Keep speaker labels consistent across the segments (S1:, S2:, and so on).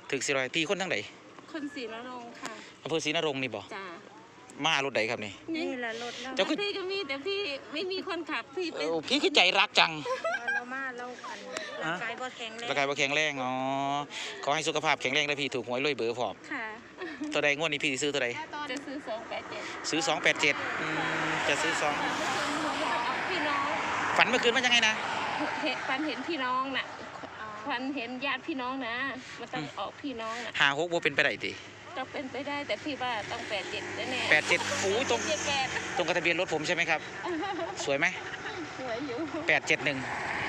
S1: ถึก400พี่คนทั้งไหน
S2: คนศรีนรงค์ค่ะ
S1: อำเภอศรีนรงค์นี่บ่
S2: จ้าม
S1: ารถใดครับนี่
S2: แหละรถเราพี่ก็มีแต่พี่ไม่มีคนขับพี่เป็น
S1: พี่คือใจรักจัง
S2: เรามาเราร่างกายบ่แข็งแรง
S1: ร่างกายบ่แข็งแรงอ๋อขอให้สุขภาพแข็งแรงได้พี่ถูกหวยรวยเบอร์พร้อม
S2: ค่ะ
S1: ตัวใดงวดนี้พี่ซื้อตัวใด
S2: จะซื้อ287
S1: ซื้อ287จะซื้อ
S2: 2พี่น้อง
S1: ฝันเมื่อคืนว่ายังไงนะ
S2: ฝันเห็นพี่น้องน่ะฝันเห็นญาติพี่น้องนะมันต้องออกพี่น้องน่ะ
S1: 56บ่เป็นไปได้ติ
S2: ก็เป็นไปได้แต่พี่ว่าต้อง87แน่
S1: 87โอ้ยตรงกับทะเบียนรถผมใช่ไหมครับสวยไหม
S2: สวยอยู่
S1: 871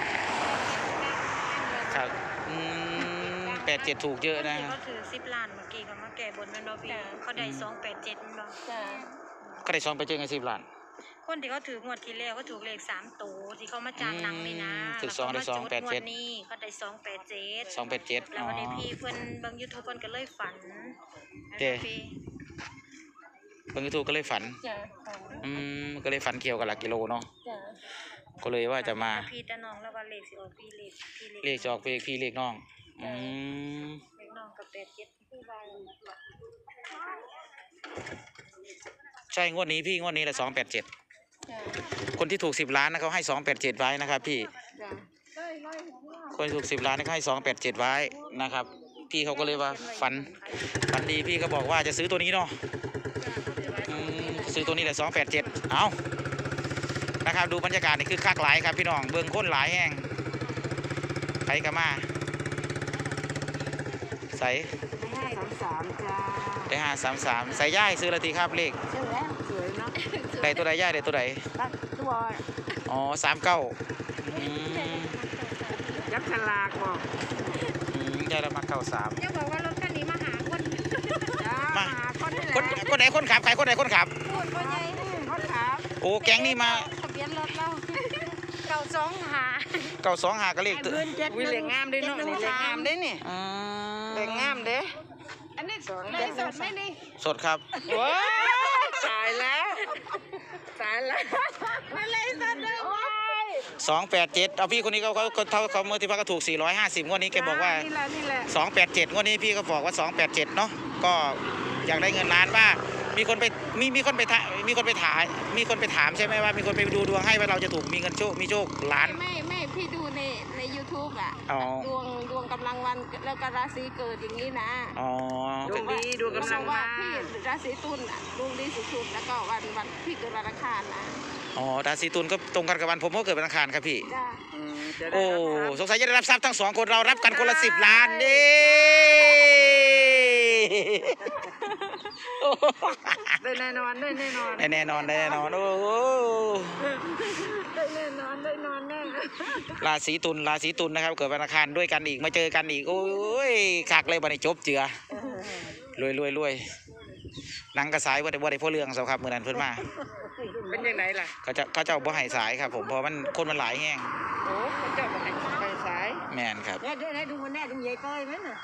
S1: ครับ87ถูกเยอะนะ
S3: เขาถือ10 ล้านเมื่อกี้เขามาแก้บนแม่นบ่พี่เขาได้287แม่นบ่
S1: ก็ได้2ไปเจอไง10 ล้าน
S3: คนที่เขาถืองวดที่แล้วเขาถูกเลข3ตัวที่เขามาจ้างหนังนี่นะ
S1: ถือ2ได้287
S3: นี่เขาได้
S1: 287
S3: แล้ววันนี้พี่เพิ่นเบิ่ง YouTube เพิ่นก็เลยฝัน
S1: เด้เบิ่ง YouTube ก็เลยฝันก็เลยฝันเกี่ยวกับหลักกิโลเนาะก็เลยว่าจะมา
S3: พี่ตาน้องแล้วว่าเลขสิออกพี่
S1: เลขจะออกพี่เลขน้อง
S3: เลขน้องกับ87พี่ว่า
S1: ใช่งวดนี้แหละ287คนที่ถูก10 ล้านนะเขาให้287ไว้นะครับพี่คนถูก10 ล้านเขาให้287ไว้นะครับพี่เขาก็เลยว่าฝันดีพี่ก็บอกว่าจะซื้อตัวนี้เนาะซื้อตัวนี้แหละ287เอานะครับดูบรรยากาศนี่คือคักหลายครับพี่น้องเบิ่งคนหลายแห้งใครกันมาใส่
S2: 533จ้า
S1: ได้533ใส่ย่ายซื้อละทีครับเลข
S2: ซื้อแล้วสวยเนาะ
S1: ได้ตัวใดย่ายได้ตัวใด
S2: ตัว
S1: อ๋อ39
S2: ยักษ์ฉลากบอก
S1: ย่ายละมา93
S3: ยังบอกว่ารถคันนี้มาหาคน
S1: มาคนไหนคนขับใครคนไหนคนขับ
S3: คนใหญ่
S2: คนขับ
S1: โอ้แก๊งนี่มา
S3: ทะเบียนรถเรา
S1: 925ก็เลขตัว
S2: วิเลขงามด้วยเนาะนี่เลขงามด้นี่เลขงามเด้
S3: อันนี้สดไหมนี่
S1: สดครับ
S2: ว้าตายแล้ว
S3: มาเลยสดเลย
S1: 287เอาพี่คนนี้เขาเมื่อที่พักก็ถูก450งวดนี้แกบอกว่า287งวดนี้พี่ก็บอกว่า287เนาะก็อยากได้เงินล้านว่ามีคนไปถามใช่ไหมว่ามีคนไปดูดวงให้ว่าเราจะถูกมีเงินโชคมีโชคล้าน
S2: ไม่พี่ดูใน YouTube อ่ะดวงกำลังวันแล้วก็ราศีเกิดอย่างนี้นะ
S1: ดวงดี
S2: ดวงกำลังว่าพี่ราศีตุลอ่ะดวงดีสุดๆแล้วก็วันพี่เกิดวันอังคารนะ
S1: ราศีตุลก็ตรงกันกับวันผมก็เกิดวันอังคารครับพี่โอ้สงสัยจะได้รับทรัพย์ทั้ง2คนเรารับกันคนละ10 ล้านดิ
S2: ได้แน่นอนโอ้
S1: ได้แน่นอนแน่ราศีตุลนะครับเกิดวันอังคารด้วยกันอีกมาเจอกันอีกโอ้ยคักเลยบัดนี้จบเจือรวยหนังกระสายว่าได้พ่อเรื่องสครับเมื่อนั้นเพิ่นมา
S2: เป็นยังไงล่ะ
S1: เขาเจ้าบ่ให้สายครับผมเพราะมันคนมันหลายแห้ง
S2: โอ้เจ้าบ่ให้สาย
S1: แม่นครับ
S3: ได้ดูมันแน่ดูใหญ่ก้อยมั้ยน่ะ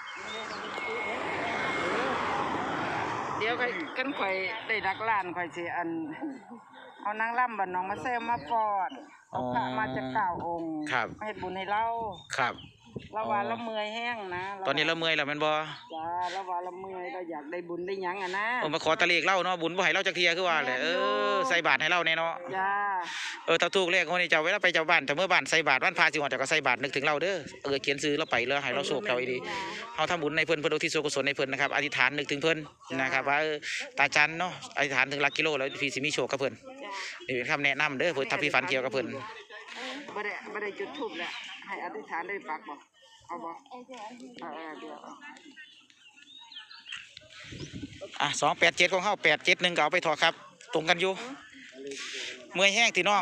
S2: เดี๋ยวกันข่อยได้ดักล้านข่อยสิเอานางล่ำบ้านน้องมาแซมมาปอดเอาพระมาจาก9 องค์เฮ็ดบุญให้เรา
S1: ครับ
S2: เราว่าเราเมื่อยแห้งนะ
S1: ตอนนี้เราเมื่อยแล้วแม่นบ่
S2: จ้าเราว่าเราเมื่อยเราอยากได้บุญได้หยังอ่ะนะ
S1: มาขอตะเลขเล่าเนาะบุญบ่ให้เราจักเที่ยคือว่าแหละใส่บาตรให้เราแน่เนาะ
S2: จ้า
S1: ถ้าถูกเลขคนนี้เจ้าเวลาไปเจ้าบ้านแต่เมื่อบ้านใส่บาตรวันพระสิฮอดเจ้าก็ใส่บาตรนึกถึงเราเด้อเขียนซื้อเราไปแล้วให้เราโชคเราดีเฮาทำบุญในเพิ่นอุทิศส่วนกุศลในเพิ่นนะครับอธิษฐานนึกถึงเพิ่นนะครับว่าตาจันเนาะอธิษฐานถึงหลักกิโลแล้วพี่สิมีโชคกับเพิ่นนี่เป็นคำแนะนำเด้อเพิ่นถ้าพี่ฝันเกี่ยวกับเพิ่น
S2: บ่ได้จุดธูปแหละให้อธิษฐานได้ปักบ่เอาบ่เดี๋
S1: ยว287ของเฮา871ก็เอาไปถอดครับตรงกันอยู่เมื่อยแห้งที่น้อง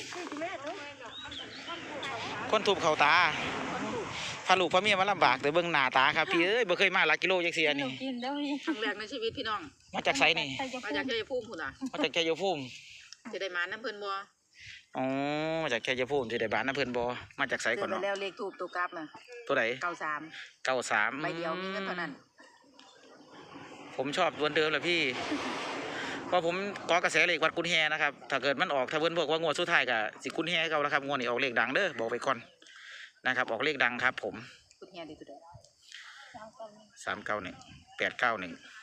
S1: คนถูกเข่าตาพาลูกพาเมียมาลำบากแต่เบิ่งหน้าตาครับพี่บ่เคยมาหลักกิโลจังซี่อันนี้
S2: ครั้งแรกในชีวิตพี่น้อง
S1: มาจากไสนี่
S2: มาจากชัยภูมิพุ่นน่ะ
S1: มาจากชัยภูมิ
S2: จะได้มาน้ำเพิ่นบ่
S1: มาจากชัยภูมิสิได้บ้านน้ำเพิ่นบ่มาจากไสก่อนเนาะ
S2: แล้วเลขทูปตัวกลับน่ะ
S1: ตัวใด
S2: 93ใบเดียวมีเงินเท่านั้น
S1: ผมชอบตัวเดิมแหละพี่เพราะผมก่อกระแสเลขวัดกุนแฮนะครับถ้าเกิดมันออกถ้าเพิ่นบอกว่างวดสุดท้ายก็สิกุนแฮเก่าแล้วครับงวดนี้ออกเลขดังเด้อบอกไปก่อนนะครับออกเลขดังครับผม
S2: กุนแฮได้ตัวใด
S3: 391
S1: 391 891